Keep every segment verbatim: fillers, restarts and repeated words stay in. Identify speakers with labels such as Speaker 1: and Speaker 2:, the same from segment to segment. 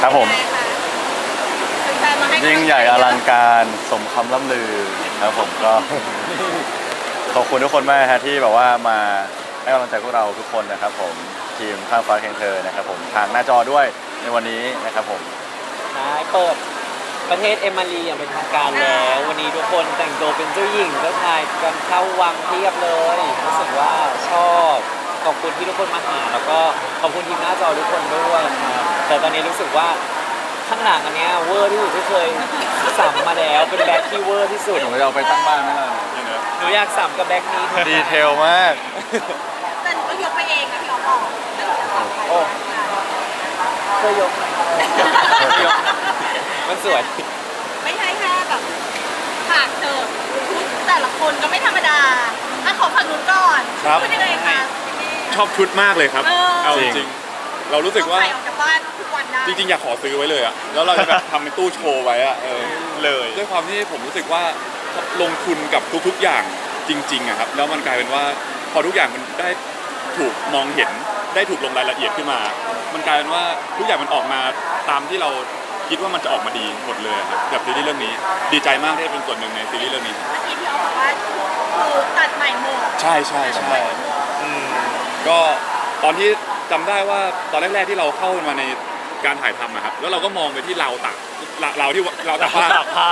Speaker 1: ครับผม
Speaker 2: แฟนๆมาให้กำลังใจ
Speaker 1: ยิ่งใหญ่อลังการสมคำล่ำลือครับผมก็ ขอบคุณทุกคนมากฮะที่แบบว่ามาให้กำลังใจพวกเราทุกคนนะครับผมทีมข้ามฟ้าแข่งเธอนะครับผมทางหน้าจอด้วยในวันนี้นะครับผม
Speaker 3: ใช่เปิดประเทศเอมารีอย่างเป็นทางการแล้ว วันนี้ทุกคนแต่งตัวเป็นเจ้าหญิงเจ้าชายกันเข้าวังเทียบเลยรู้สึกว่าชอบขอบคุณที่ทุกคนมาหาแล้วก็ขอบคุณทีมหน้าจอทุกคนด้วยครับแต่ตอนนี้รู้สึกว่าข้างหลังอันเนี้ยเวอร์ที่สุดที่เคยสัมมาแล้วเป็นแบ็คที่เวอร์ที่สุด
Speaker 1: หนูจะเอาไปตั้งบ้านไหมล่ะ
Speaker 3: หนูอยากสัมกับแบ็คนี้ทุก
Speaker 1: ดีเทลมาก
Speaker 2: แต่หนูก็ยกไปเองอะพี่อ๋อบอก
Speaker 3: โอ้ช่วยยกหน่อยยกมันสวย
Speaker 2: ไม่ใช่แค่แบบฉากเธอชุดแต่ละคนก็ไม่ธรรมดาอ่ะขอฝั่งนู้นก่อน
Speaker 4: ครับ
Speaker 2: เป็นยังไงคะ
Speaker 4: ชอบชุดมากเลยครับ
Speaker 2: เออ
Speaker 4: เอา
Speaker 1: จ
Speaker 4: จ
Speaker 1: ริง
Speaker 4: ริงๆเรารู้สึกว่า
Speaker 2: ใส่ออกจากบ้านทุกวันได้
Speaker 4: จริงๆอยากขอซื้อไว้เลยอะแล้วเราจะแบบทำเป็นตู้โชว์ไว้อะเออเลยด้วยความที่ผมรู้สึกว่าลงทุนกับทุกๆอย่างจริงๆอะครับแล้วมันกลายเป็นว่าพอทุกอย่างมันได้ถูกมองเห็นได้ถูกลงรายละเอียดขึ้นมา มันกลายเป็นว่าทุกอย่างมันออกมาตามที่เราคิดว่ามันจะออกมาดีหมดเลยครับกับซีรีส์เรื่องนี้ดีใจมากที่ได้เป็นส่วนหนึ่งในซีรีส์เรื่องนี้ครับ
Speaker 2: เมื่อกี้พี่อ๋อบอกว่าคือตัดใหม่หมด
Speaker 4: ใช่ใช่ใช่อืมก็ตอนที่จำได้ว่าตอนแรกๆที่เราเข้ามาในการถ่ายทำนะครับแล้วเราก็มองไปที่ราวตากราราวที่ราวตากผ้า
Speaker 3: ตากผ้าร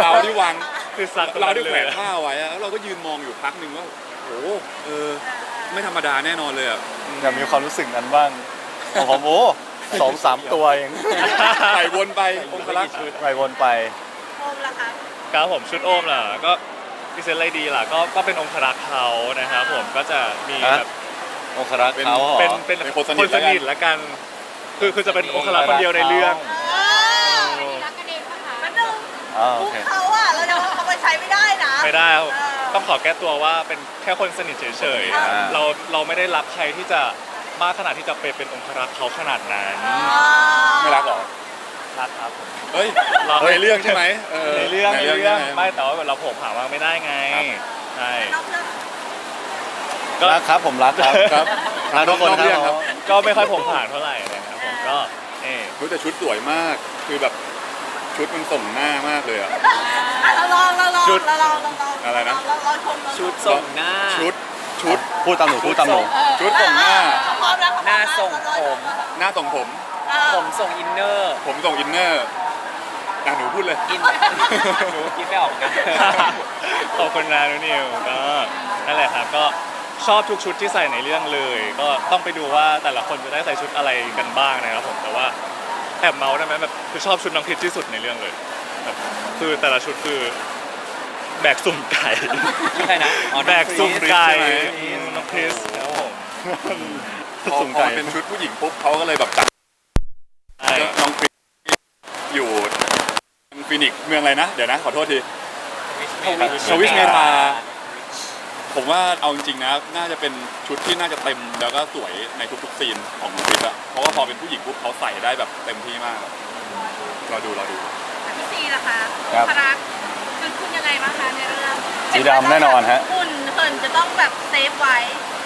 Speaker 4: าวที่วาง
Speaker 3: คือสัก
Speaker 4: ราวที่แขวนผ้าไว้อะแล้วเราก็ยืนมองอยู่พักหนึ่งว่าโอ้โหเออไม่ธรรมดาแน่นอนเลยอ่ะ
Speaker 1: อยากมีความรู้สึกนั้นบ้างของผมโอ้สองสามตัวเอง
Speaker 4: ใส่วนไปองคลักษณ์
Speaker 1: ไปวนไป
Speaker 2: โอมล่ะคะ
Speaker 5: ครับผมชุดโอมล่ะก็พิเศษอะไรดีล่ะก็ก็เป็นองครักษ์เขานะครับผมก็จะมี
Speaker 1: ฮะ
Speaker 5: แบบ
Speaker 1: องครักษ์เขาเหรอ
Speaker 5: เป็นเป็น
Speaker 4: เป็นคนส
Speaker 5: ค
Speaker 4: นิท
Speaker 5: นสนิทละกัน คือคือจะเป็นองครักษ์คนเดียวในเรื่อง
Speaker 2: เออรักกันเองปะคะมันนึง
Speaker 1: อ๋อโอ
Speaker 2: มุก
Speaker 1: เค
Speaker 2: เขาอะแล้วเราเอาไปใช้ไม่ได้นะ
Speaker 5: ไม่ได้ครับ
Speaker 2: เออ
Speaker 5: ต้องขอแก้ตัวว่าเป็นแค่คนสนิทเฉย
Speaker 2: อ่า
Speaker 5: ๆเราเราไม่ได้รักใครที่จะมากขนาดที่จะไปเป็นองครักษ์เขาขนาดนั้น
Speaker 4: ไม่รักหรอ
Speaker 5: รักครับ
Speaker 4: เฮ้ย
Speaker 5: เรา
Speaker 4: ในเรื่องใช่ไหมเออ
Speaker 5: ในเรื่องในเรื่อง
Speaker 4: ใช่ห
Speaker 5: ไม่แต่ว่าเราโผล่ผ่าว่าไม่ได้ไง
Speaker 4: ครับ
Speaker 5: ใช่
Speaker 2: นอกเรื่อง
Speaker 5: ก็
Speaker 1: รักครับผมรักครับ
Speaker 4: ครับ
Speaker 1: รักทุกคน
Speaker 4: นอกเรื่อง
Speaker 1: ค
Speaker 4: ครั
Speaker 1: รับ บ
Speaker 5: ก็ไม่ค่อยโผล่ผ่านเท่าไหร่นะครับผมก็เออ
Speaker 4: รู้แต่ชุดสวยมากคือแบบชุดมันส่งหน้ามากเลยอ่ะ
Speaker 2: อ่ะเราลองเราลอง
Speaker 4: ชุด
Speaker 2: เราลองเราลอง
Speaker 4: อะไรนะ
Speaker 2: เราลองชมเราลอง
Speaker 3: ชุดส่งหน้า
Speaker 4: ชุดชุด
Speaker 1: พูดตามหนูพูดตามหนู
Speaker 2: เออ
Speaker 4: ชุดส่งหน้า
Speaker 2: เออพร้อมแล้ว
Speaker 3: หน้าส่งผม
Speaker 4: หน้าส่งผม
Speaker 2: เออ
Speaker 3: ผมส่งอินเนอร์
Speaker 4: ผมส่งอินเนอร์อ่ะหนูพูดเลย
Speaker 3: กินหนูคิดไม่ออกกัน
Speaker 5: ขอบคุณนะนุนิวก็นั่นแหละครับก็ชอบทุกชุดที่ใส่ในเรื่องเลย ก็ต้องไปดูว่าแต่ละคนจะได้ใส่ชุดอะไรกันบ้างนะครับผมแต่ว่าแอบเมาส์ได้ไหมแบบคือชอบชุดน้องพิชที่สุดในเรื่องเลยแบบคือแต่ละชุดคือแบกสุ่มไก่
Speaker 3: ใช่นะอ๋อ
Speaker 5: แบกสุ่มไก่
Speaker 4: ใช่ไหม
Speaker 5: อืมน้องพิชครับผม
Speaker 4: พอ
Speaker 1: สุ่ม
Speaker 4: พอ
Speaker 1: ไก่
Speaker 4: เป็นชุดผู้หญิงปุ๊บเขาก็เลยแบบจัด
Speaker 5: ใช่
Speaker 4: น้องคริสอยู่ฟินิกซ์เมืองอะไรนะ เดี๋ยวนะ ขอโทษที สวิชเมทา ผมว่าเอาจริงๆนะ น่าจะเป็นชุดที่น่าจะเต็มแล้วก็สวยในทุกๆซีนของน้องคริสอะเพราะว่าพอเป็นผู้หญิงปุ๊บเขาใส่ได้แบบเต็มที่มากเราดูเราดู
Speaker 2: พี่ซีล่ะคะ
Speaker 1: ครับ
Speaker 2: พรักคือคุณยังไงบ้างคะในเรื่อง
Speaker 1: สีดำแน่นอนฮะ
Speaker 2: คุณเหินจะต้องแบบเซฟไว้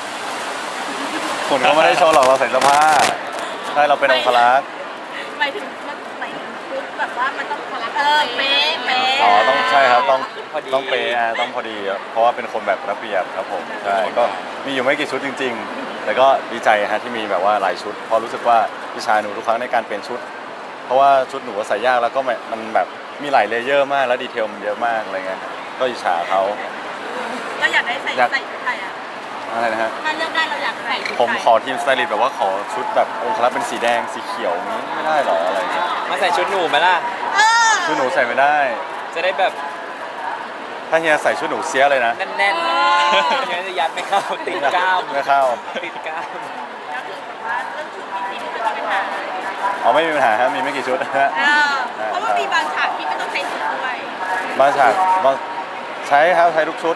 Speaker 1: ผมก็ไม่ได้โชว์หรอกเราใส่เสื้อผ้าใช่เราเป็นองครักษ์
Speaker 2: หมายถึงมันหมายถึงชุดแบบว่ามันต้องพลักเออเป๊ะเป๊ะ
Speaker 1: อ๋อต้องใช่ครับต้อง
Speaker 3: พอดี
Speaker 1: ต้องเปย์อ่ะต้องพอดีครับเพราะว่าเป็นคนแบบระเบียบครับผมใช่ก็มีอยู่ไม่กี่ชุดจริง ๆ แต่ก็ดีใจฮะที่มีแบบว่าหลายชุดเพราะรู้สึกว่าวิชาหนูทุกครั้งในการเปลี่ยนชุด เพราะว่าชุดหนูใส่ยากแล้วก็แบบมันแบบมีหลายเลเยอร์มากแล้วดีเทลมันเยอะมากอะไรเงี้ยครับก็อิจฉาเขา
Speaker 2: เราอยากได้ใส่
Speaker 1: อยาก
Speaker 2: ใส่ชุดไทยอ่ะ
Speaker 1: อะไรนะฮะ
Speaker 2: ถ้าเลือกได้เราอยากใส่ชุดไทย
Speaker 1: ผมขอทีมสไตลิสต์แบบว่าขอชุดแบบองครักษ์เป็นสีแดงสีเขียวนี้ไม่ได้หรออะไรเงี้ย
Speaker 3: มาใส่ชุดหนูไหมล่ะ
Speaker 2: เออ
Speaker 1: ชุดหนูใส่ไม่ได้
Speaker 3: จะได้แบบ
Speaker 1: ถ้าเฮียใส่ชุดหนูเสียเลยนะ
Speaker 3: แน่นๆงั้นจะยัดไม่เข้าติดกล้าม
Speaker 1: ไม่เข้า
Speaker 3: ติดกล้าม
Speaker 2: ก็คือแบบว่าเรื่องชุดพี่ซีไม่เป็นปัญหา
Speaker 1: อ๋อไม่มีปัญหาฮะมีไม่กี่ชุดฮะ
Speaker 2: เออเพราะว่ามีบางฉากที่ไม่ต้องใช้ชุดด้วย
Speaker 1: บางฉากบางใช้ครับใช้ทุกชุด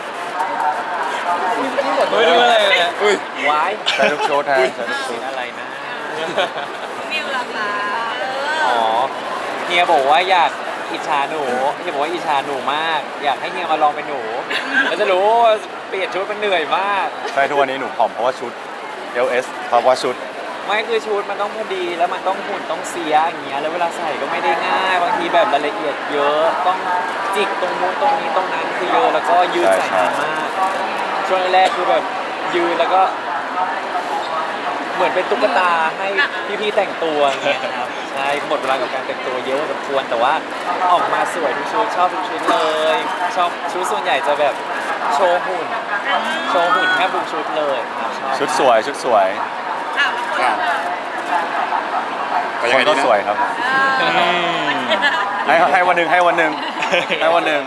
Speaker 3: ไม่รู้อะไรเลย
Speaker 4: อุ้ย
Speaker 3: วาย
Speaker 1: ใช้ทุกชุดฮะใช้ทุกชุ
Speaker 3: สี
Speaker 1: ด
Speaker 3: อะไรนะ
Speaker 2: มิวล่ะคะเอ
Speaker 3: อ๋อ
Speaker 2: อ
Speaker 3: เฮียบอกว่าอยากอิจฉาหนูเฮียบอกว่าอิจฉาหนูมาก อยากให้เฮียมาลองเป็นหนูแล้วจะรู้ว่าเปลี่ยนชุดมันเหนื่อยมาก
Speaker 1: ใช่ทุกวันนี้หนูผอมเพราะว่าชุด เอล เอส เพราะว่าชุด
Speaker 3: ไม่คือชุดมันต้องพอดีแล้วมันต้องหุ่นต้องเสียอย่างเงี้ยแล้วเวลาใส่ก็ไม่ได้ง่ายบางทีแบบรายละเอียดเยอะต้องจิกตรงนู้นตรงนี้ตรงนั้นคือเยอะแล้วก็ยืดใส่นานมากช่วงแรกๆคือแบบยืนแล้วก็ เหมือนเป็นตุ๊กตาให้พี่ๆแต่งตัวอย่างเงี้ยครับใช่หมดเวลากับการแต่งตัวเยอะพอสมควรแต่ว่าออกมาสวยทุกชุดชอบทุกชุดเลยชอบชุดส่วนใหญ่จะแบบโชว์หุ่นโชว์หุ่นแทบทุกชุดเลยครับชอบ
Speaker 1: ชุดสวยชุดสวย
Speaker 2: อ้าวแล้วคนละ
Speaker 4: ไป
Speaker 1: ค
Speaker 4: ยังไง
Speaker 1: น
Speaker 4: ดี
Speaker 1: ก็
Speaker 4: นะ
Speaker 1: สวยครับผม
Speaker 2: เออ
Speaker 1: ให้ให้วันหนึ่งให้วันหนึ่งให้วันหนึ่ง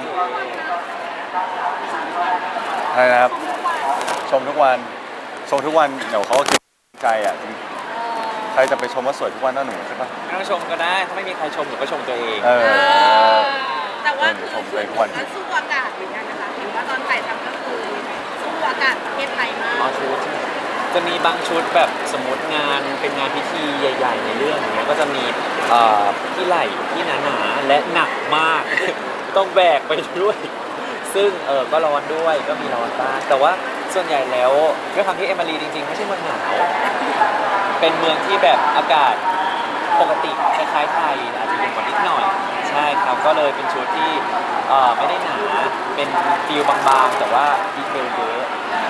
Speaker 1: ใช่นะครับ ชมทุกวันชมทุกวันเดี๋ยวเขาก็คิดใจอ่ะจริงใครจะไปชมว่าสวยทุกวันน่าหนูใช่ปะ
Speaker 3: ไม่ต้องชมก็ได้ถ้าไม่มีใครชมหนูก็ชมตัวเอง
Speaker 1: เอ
Speaker 2: เอ
Speaker 1: อ
Speaker 2: อแต่ว่าคือ
Speaker 1: ชม
Speaker 2: ชุ
Speaker 1: ตัว
Speaker 2: ด
Speaker 1: เองทุก
Speaker 2: ก็
Speaker 1: วัน
Speaker 2: สู้อากาศเหมือนกันนะคะเห็นว่าตอนถ่ายทำก็คือสู้อากาศประเทศไทยมาก
Speaker 3: อ๋อชุดจะมีบางชุดแบบสมมติงานเป็นงานพิธีใหญ่ ๆ ในเรื่องอย่างเงี้ยก็จะมีเอ่อที่ไหล่ที่หนาๆและหนักมาก ต้องแบกไปด้วย ซึ่งเออก็ร้อนด้วยก็มีร้อนบ้างแต่ว่าส่วนใหญ่แล้วด้วยความที่เอมารีจริงๆไม่ใช่เมืองหนาวเป็นเมืองที่แบบอากาศปกติคล้ายๆไทยอาจจะเย็นกว่านิดหน่อยใช่ครับก็เลยเป็นชุดที่เอ่อไม่ได้หนาเป็นฟิลบางๆแต่ว่าดีเทลเยอะ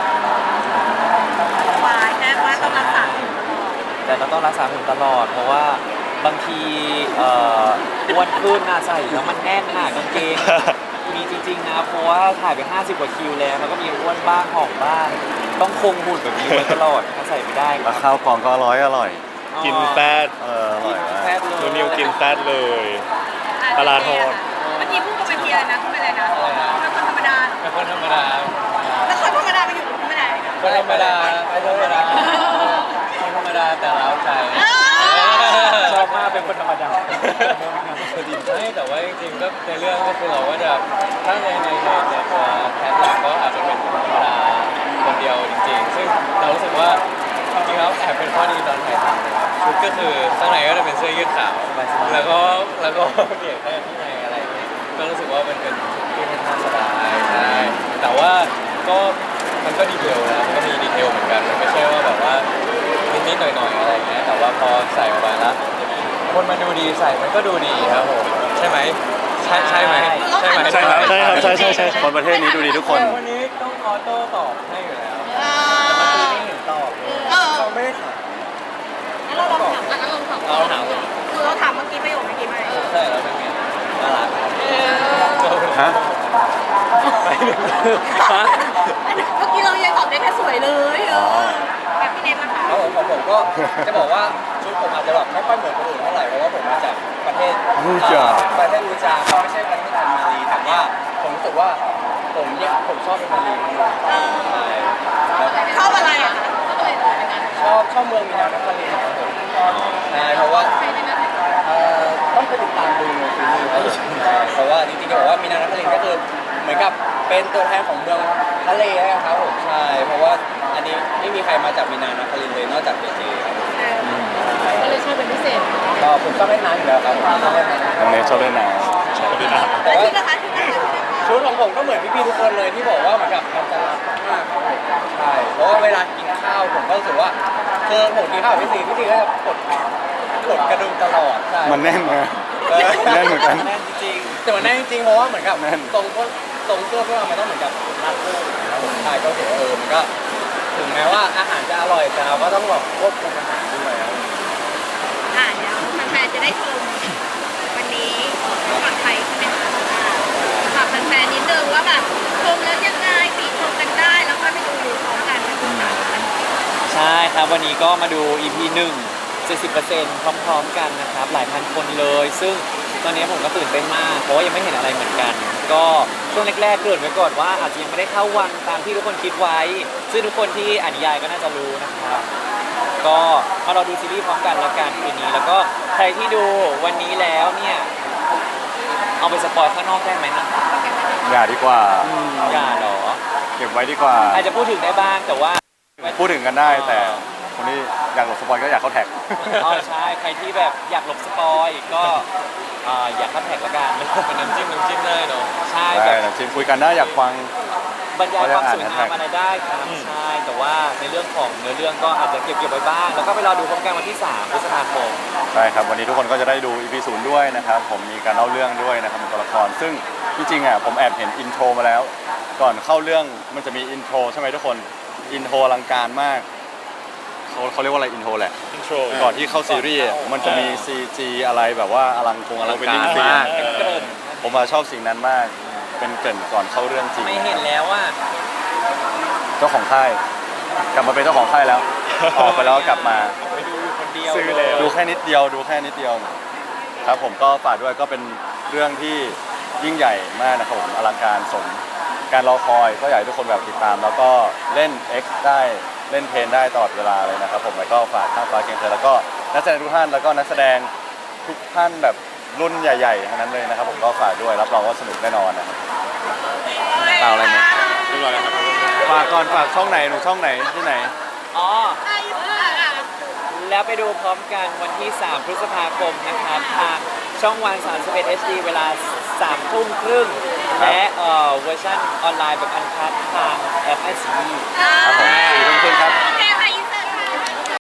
Speaker 2: วายแค่ว่าต้องรักษาหุ่นตลอด
Speaker 3: แต่เราต้องรักษาหุ่นตลอด เพราะว่าบางทีเอ่ออ้วนขึ้นน่ะใส่แล้วมันแน่นหนากางเกง มีจริงๆนะเพราะว่าถ่ายไปห้าสิบกว่าคิวแล้วแล้วก็มีอ้วนบ้างหอมบ้าง ต้องคงหุ่นแบบนี้ไว้ตลอดถ้าใส่ไม่ได้ค
Speaker 1: แล้
Speaker 3: รั
Speaker 1: ว
Speaker 3: บ
Speaker 1: ข้าวกล่องก็อร่อยอร่อย
Speaker 5: กินแฟต
Speaker 1: เอออร่อยมาก
Speaker 3: แฟบเลย
Speaker 5: นูนิวกินแฟตเลย
Speaker 2: อ่ะ
Speaker 5: ปลาร้าทอด
Speaker 2: เมื่อกี้พูดกับเวทีอะไรนะพูดไปอะไรนะเป็นคนธรรมดา
Speaker 3: เป็นคนธรรมดา
Speaker 2: แล้วคนธรรมดาไปอยู่ตรงไม่ได้
Speaker 3: คนธรรมดาไม่ธรรมดาคนธรรมดาแต่เล้าใจ ชอบมากเป็นคนธรรมดาไม่แต่ว่าจริงๆก็ในเรื่องก็คือเราก็จะถ้าในในในในตัวแพทหลักก็อาจจะเป็นคนธรรมดาคนเดียวจริงๆ ซึ่งเรารู้สึกว่าจริงๆแล้วแอบเป็นข้อดีตอนถ่ายทำนะครับชุดก็คือข้างในก็จะเป็นเสื้อยืดขาวแล้วก็แล้วก็เปลี่ยนแค่ข้างในอะไรอย่างเงี้ยก็รู้สึกว่ามันเป็นชุดที่ค่อนข้างสบายใช่แต่ว่าก็มันก็ดีเทลนะมันก็มีดีเทลเหมือนกันมันไม่ใช่ว่าแบบว่านิดๆหน่อยๆอะไรอย่างเงี้ยแต่ว่าพอใส่ออกมาแล้วคนมันดูดีใส่มันก็ดูดีครับผมใช่ไหมใช่ใช่ไหมใช่ไหม
Speaker 5: ใช่ครับใช่ครับใช่ใช่ใช่
Speaker 1: คนประเทศนี้ดูดีทุกคน
Speaker 3: วันนี้ต้องออโต้ตอบให้อยู่แล้ว
Speaker 2: เอ
Speaker 3: แต่เมื่อ
Speaker 2: อ
Speaker 3: กี้ไม่เห็นตอบเลย
Speaker 2: เออ
Speaker 3: เขาไม่ได้ถาม
Speaker 2: งั้นเราลองถามอ่ะงั้นลองถาม
Speaker 3: เราถามเลย
Speaker 2: คือเราถามเมื่อกี้ประโยคเมื่อกี้ไหม
Speaker 3: ใช่แล้วเป็นไงน่ารัก
Speaker 2: เออ
Speaker 1: ฮะ
Speaker 3: ไปหนึ่งฮะ
Speaker 2: เมื่อกี้เรายังตอบได้แค่สวยเลยเออแบบพี่เนทนะคะ
Speaker 6: ครับผมของผมก็จะบอกว่าชุดผมอาจจะแบบไม่ค่อยเหมือนคนอื่นเท่าไหร่เพราะว่าผมมาจากประเทศ
Speaker 1: อูจา
Speaker 6: เอ่อประเทศอูจาครับไม่ใช่ประเทศอันมารีแต่ว่าผมรู้สึกว่าผมเนี่ยผมชอบเป็นมารีใช่แล้ว
Speaker 2: ชอบอะไรอ่ะคะชอบอะไรเลยในการ
Speaker 6: ชอบชอบเมืองมีนานครลินทร์ครับผมใช่เพราะว่า
Speaker 2: ใช้ในนั้น
Speaker 6: เอ่อต้องไปติดตามดูในซีรีส์ครับใช่เพราะว่าจริงๆจะบอกว่ามีนานครลินทร์ก็คือเหมือนกับเป็นตัวแทนของเมืองทะเลนะครับผมใช่เพราะว่าอันนี้ไม่มีใครมาจากมีนานครลินทร์เลยนอกจากเจเจครับผม
Speaker 2: ก็เลยชอบเป็นพิเศษ
Speaker 6: ก็ผมชอบเล่นน้ำอยู่แล้วครับผมชอบเล่นน้ำ
Speaker 1: น้องเนทชอบเล่นน้
Speaker 6: แต่
Speaker 2: แล้ว
Speaker 6: ว่า
Speaker 2: ชุดนะคะชุดนะคะชุดนะคะ
Speaker 6: ชุดของผมก็เหมือนพี่ๆทุกคนเลยที่บอกว่าเหมือนกับมันจะรัดมากครับผมใช่เพราะว่าเวลากินข้าวผมก็รู้สึกว่าคือผมกินข้าวกับพี่ซีพี่ซีก็จะกดกดกระดุมตลอดใช่
Speaker 1: ำมันแน่นนะ
Speaker 6: เออ
Speaker 1: แน่นเหมือนกัน
Speaker 3: แน่นจริง
Speaker 6: แต่มันแน่นจริงๆเพราะว่าเหมือนกับ
Speaker 1: แน่น
Speaker 6: ตรงพวกตรงเสื้อพวกเรามันต้องเหมือนกับรัดรูปนะครับผมใช่ก็ถือว่าเออมันก็ถึงแม้ว่าอาหารจะอร่อยแต่เราก็ต้องแบบควบคุมอาหารด้วยครับ
Speaker 2: อ่าเดี๋ยวแฟนๆจะได้ชมวันนี้ก่อนไทยใช่ไหมคะอ่าฝากแฟนๆนิดนึงว่าแบบชมแล้วยังไงปีชมกันได้แล้วก็ไปดูพร้อมกันเป็นภาษากัน
Speaker 3: ๆ ใช่ครับวันนี้ก็มาดู อี พี หนึ่ง เจ็ดสิบเปอร์เซ็นต์ พร้อมๆกันนะครับ หลายพันคนเลย ซึ่งตอนนี้ผมก็ตื่นเต้นมาก เพราะว่ายังไม่เห็นอะไรเหมือนกัน ก็ช่วงแรกๆเกริ่นไว้ก่อนว่าอาจจะยังไม่ได้เข้าวังตามที่ทุกคนคิดไว้ ซึ่งทุกคนที่อ่านนิยายก็น่าจะรู้นะครับ ก็มาเราดูซีรีส์พร้อมกันแล้วกันคืนนี้ แล้วก็ใครที่ดูวันนี้แล้วเนี่ย เอาไปสปอยข้างนอกได้ไหมนะ
Speaker 1: อย่าดีกว่า
Speaker 3: อย่าเหรอ
Speaker 1: เก็บไว้ดีกว่า
Speaker 3: อาจจะพูดถึงได้บ้างแต่ว่า
Speaker 1: พูดถึงกันได้แต่คนที่อยากหลบสปอยก็อยากเข้าแท็ก
Speaker 3: อ๋อใช่ ใครที่แบบอยากหลบสปอยก็อ่าอยากเข้าแท็กละกัน
Speaker 6: เป็นน้ำจิ้มน้ำจิ้มได้เนาะ
Speaker 3: ใช่
Speaker 1: ได้
Speaker 3: แบบ
Speaker 1: นะทีมคุยกันได้อยากฟัง
Speaker 3: บรรยายความสวยงามอะไรได้ครับใช่แต่ว่าในเรื่องของเนื้อเรื่องก็อาจจะเก็บเก็บไว้บ้าง แล้วก็ไปรอดูพร้อมกันวันที่สามพฤษภาคม
Speaker 1: ใช่ครับวันนี้ทุกคนก็จะได้ดู อี พี ศูนย์ด้วยนะครับผมมีการเล่าเรื่องด้วยนะครับเป็นตัวละครซึ่งที่จริงอ่ะผมแอบเห็นอินโทรมาแล้ว ก่อนเข้าเรื่องมันจะมีอินโทรใช่ไหมทุกคนอินโทรอลังการมากเขาเขาเรียกว่าอะไรอินโทรแหละ
Speaker 5: อินโทร
Speaker 1: ก่อนที่เข้าซีรีส์มันจะมี ซี จี อะไรแบบว่าอลังคงอลังการมาก
Speaker 5: เออ
Speaker 1: ผมมาชอบสิ่งนั้นมาก เป็นเกรินก่อนเข้าเรื่องจริง
Speaker 3: ไม่เห็นแล้วว่า
Speaker 1: เจ้าของค่ายกลับมาเป็นเจ้าของค่ายแล้ว ออกไปแล้วก็กลับมา
Speaker 3: ไปดูอยู่คนเดียว
Speaker 5: ซื้อแล้ว
Speaker 1: ดูแค่นิดเดียวดูแค่นิดเดียวครับผมก็ฝากด้วยก็เป็นเรื่องที่ยิ่งใหญ่มากนะครับผมอลังการสมการรอคอยก็อยากให้ทุกคนแบบติดตาม แล้วก็เล่น X ได้เล่นเพลนได้ตลอดเวลาเลยนะครับผมแล้วก็ฝากข้ามฟ้าเคียงเธอแล้วก็นักแสดงทุกท่านแล้วก็นักแสดงทุกท่านแบบรุ่นใหญ่ๆทั้งนั้นเลยนะครับผมก็ฝากด้วยรับรองว่าสนุกแน่นอนนะครับ เปล่าอะไรไหม
Speaker 4: เรียบร้อยแล้วครับ
Speaker 1: ฝากก่อนฝากช่องไหนหนูช่องไหนที่ไหน
Speaker 3: อ๋อ
Speaker 2: ใช่ค่ะ
Speaker 3: แล้วไปดูพร้อมกันวันที่ สาม พฤษภาคมนะครับทางช่องวัน สามสิบเอ็ด เอช ดี เวลา สาม ทุ่มครึ่ง และเอ่อเวอร์ชันออนไลน์แบบอันคัดทางแอปไอซี
Speaker 1: ครับผมสี่ทุ่มครึ่งครับ